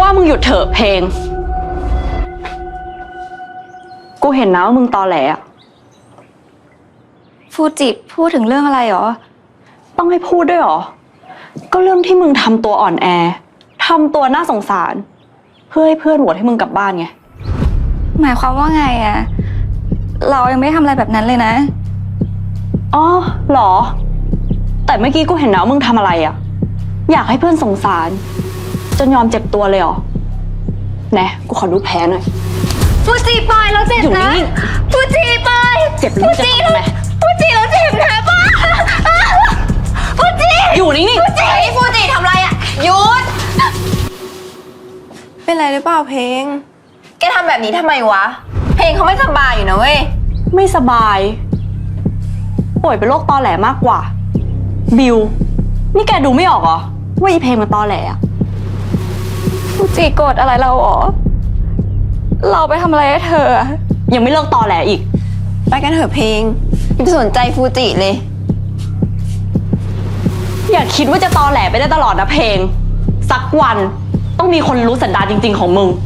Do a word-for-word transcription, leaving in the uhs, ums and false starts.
ว่ามึงหยุดเถอะเพลงกูเห็นนะว่ามึงตอแหลอะฟูจิพูดถึงเรื่องอะไรหรอต้องให้พูดด้วยหรอก็เรื่องที่มึงทำตัวอ่อนแอทำตัวน่าสงสารเพื่อให้เพื่อนโหวตให้มึงกลับบ้านไงหมายความว่าไงอะเรายังไม่ทำอะไรแบบนั้นเลยนะอ๋อหรอแต่เมื่อกี้กูเห็นนะว่ามึงทำอะไรอะอยากให้เพื่อนสงสารจนยอมเจ็บตัวเลยเหรอแน่กูขอดูแผลหน่อยฟูจิปล่อยเราเจ็บนะฟูจิปล่อยเจ็บหรือจะทำไมฟูจิเราเจ็บนะป้าฟูจิอยู่นิ่งๆฟูจิฟูจิทำอะไรอะหยุดเป็นไรหรือเปล่าเพลงแกทำแบบนี้ทำไมวะเพลงเขาไม่สบายอยู่นะเว้ยไม่สบายป่วยเป็นโรคตอแหลมากกว่าบิวนี่แกดูไม่ออกเหรอว่าอีเพลงมันตอแหลอะฟูจิโกรธอะไรเราหรอเราไปทำอะไรให้เธอยังไม่เลิกตอแหลอีกไปกันเถอะเพลงอย่าไปสนใจฟูจิเลยอย่าคิดว่าจะตอแหลไปได้ตลอดนะเพลงสักวันต้องมีคนรู้สันดานจริงๆของมึง